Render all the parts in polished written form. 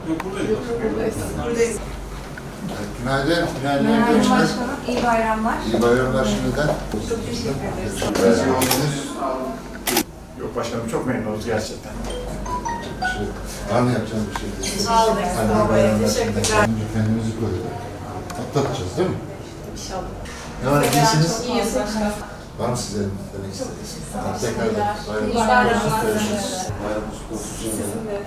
Yok buradayız. Buradayız. Günaydın. Günaydın başkanım. İyi bayramlar. İyi bayramlar şimdiden. Çok teşekkür ederiz. Biraz yoğunsunuz. Yok başkanım çok memnunuz gerçekten. Var mı yapacağım bir şey? Sağ olun. Hani bayramlar şimdiden. Önce kendimizi koruyalım. Atlatacağız değil mi? İnşallah. Ne var? İyisiniz? İyiyiz başkanım. Var mı sizlerin demek istediğiniz? Tekrardan İyi bayramınız bayramlar. kutlu olsun. Görüşürüz. Bayramınız kutlu olsun. Şimdiden.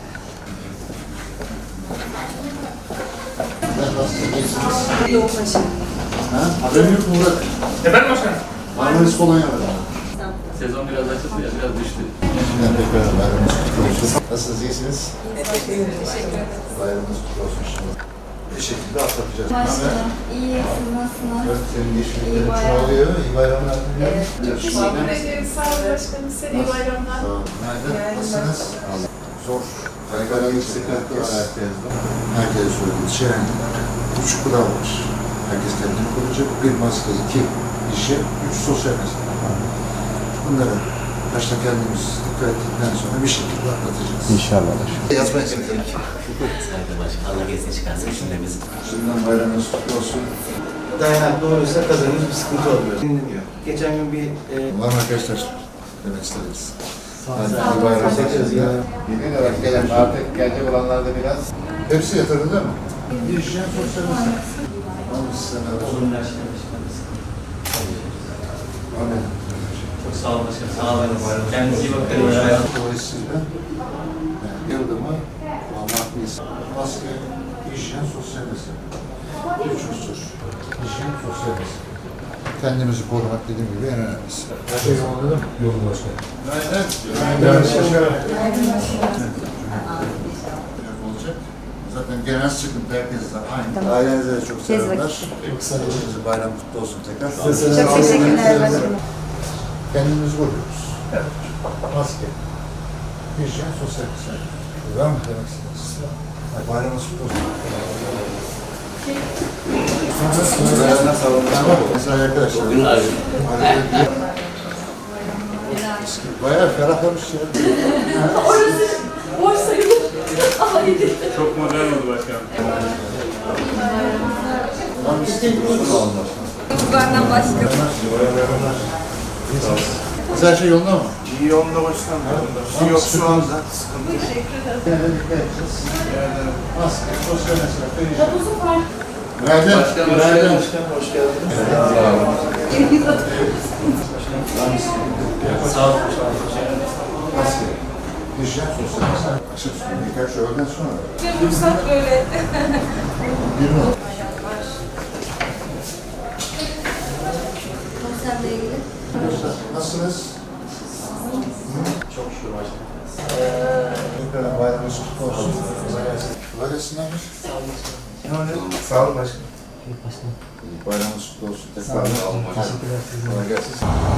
Nasılsınız? İyisiniz? Yok başkanım. Ha? Haberim yok mu Murat? Efendim başkanım? Marmaris Polonya var. Sezon biraz açıldı ya, biraz düştü. Şimdiden tekrar bayramınız kutlu olsun. Nasılsınız? İyisiniz? Teşekkür ederiz. Bayramınız kutlu olsun şimdi. Bir şekilde atlatacağız. Başkanım, iyi, siz nasılsınız? Evet, senin İyi geçmişlerin bayram. çoğalıyor. İyi bayramlar diliyorum. Evet. Teşekkür ederiz. Sağ olun başkanım. Size iyi bayramlar. Sağ olun. Günaydın. Nasılsınız? Zor. Kaygılarımız sıkıntı var herkeste. Herkese söylediğimiz şey yani. 3 kural var. Herkes kendini koruyacak. 1 maske, 2 işe, 3 sosyal mesafe. Bunlara başta kendimiz dikkat ettikten sonra bir şekilde atlatacağız. İnşallah. Yazmaya çalışalım. Saygı başkanım. Allah gezini çıkarsın cümlemizi. Şimdiden bayramınız kutlu olsun. Dayanaklı olursa kazanırız, bir sıkıntı olmuyor. Dinleniyor. Geçen gün bir Var mı arkadaşlar? Demek isteriz. Hadi Sağ iyi olun, bayramlar. teşekkür ederiz. Yeni olarak gelen artık gelecek olanlar da biraz. Hepsi yatırdı değil mi? Bir işleyen sosyal mesafe. Almış sen Olumlu aşkına başkanım. Amin. Çok sağ olun başkanım. Sağ olun. Kendinize iyi bakın. Dolayısıyla yılda mı almaklıyız. Maske, hijyen, sosyal mesafe. Üç unsur. Hijyen, sosyal mesafe. Kendimizi korumak dediğim gibi en önemlisi. Her şey yolunda mı? Yolunda başkanım. Günaydın. Günaydın. Olacak. Zaten genel sıkıntı herkesle aynı. Ailenize de çok selamlar. Hepinize bayram kutlu olsun tekrar. Çok teşekkürler başkanım. Kendimizi koruyoruz. Evet. Maske. Hijyen, sosyal mesafe. Var mı demek istediğiniz? Bayramınız kutlu olsun. Mesela arkadaşlar. Bayağı ferahlamış ya. Boş sayılır. Ama iyi. Çok modern oldu başkanım. Benden başka. Her şey yolunda mı? İyi yolunda başkanım. Bir şey yok şu anda. Maske, sosyal mesafe, hijyen. Günaydın. Günaydın başkanım, hoş geldiniz. Sağ olun. Maske, hijyen, sosyal mesafe. Açık su, birkaç öğleden sonra. Fırsat böyle. Bir not. Konserle ilgili. Nasılsınız? Çok şükür başkanım. Tekrar bayramınız kutlu olsun. Kolay gelsin. Kolay gelsin abi. Sağ olun başkanım. Ne oluyor? Sağ olun başkanım. Başkanım. Bayramınız kutlu olsun. Tekrar kolay gelsin.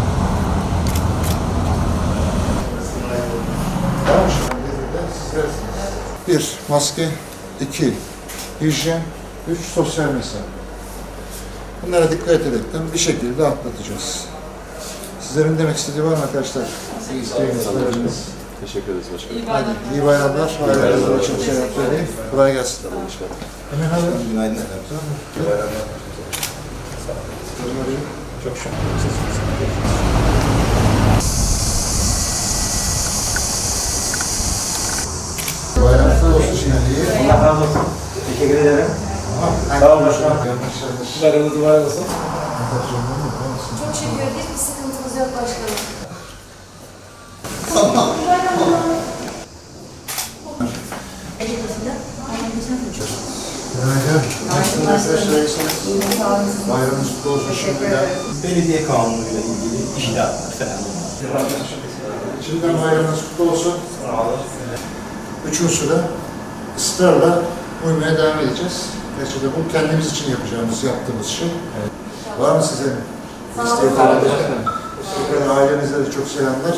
Tamam şimdi. Bir, maske. 2, hijyen. 3, sosyal mesafe. Bunlara dikkat ederekten bir şekilde atlatacağız. Sizlerin demek istediği var mı arkadaşlar? İsteğiniz. Teşekkür ederiz başkanım. Hadi iyi bayramlar. Ailenizle için selam söyleyin. Kolay gelsin. Hemen alın. Günaydın efendim. İyi bayramlar. Çok şükür. Bayramlar olsun şimdi. Allah razı olsun. Teşekkür ederim. Sağ olun başkanım. Bayramınız mübarek olsun. Çok şükür hiçbir sıkıntımız yok başkanım. Günaydın. Nasılsınız arkadaşlar? İyisiniz? Bayramınız kutlu olsun şimdiden. Belediye kanunuyla ilgili işler falan. Şimdiden bayramınız kutlu olsun. Üç unsura ısrarla uymaya devam edeceğiz. Gerçekten bu kendimiz için yaptığımız şey. Var mı size isteği falan? Tekrar ailenize de çok selamlar.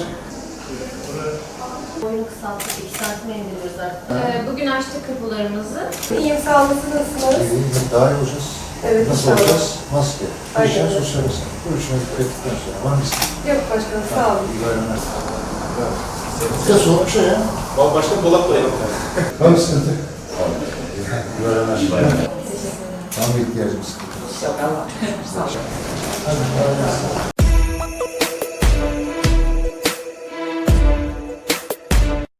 Boyunu kısaltıp 2 santime indiriyoruz artık. Bugün açtık kapılarımızı. İyiyim, sağ olun. Siz nasılsınız? İyi, daha iyi olacağız. Evet, Nasıl inşallah. olacağız? Maske, hijyen, Aynen. sosyal mesafe. Bu üçüne dikkat ettikten sonra var mı isteği? Yok başkanım, sağ olun. İyi bayramlar. Bravo. Bir de soğuk bir şey ya. Başkan dolap koyalım. Var mı sıkıntı? İyi bayramlar. Tam ihtiyacımız. Yok Allah. Sağ olun.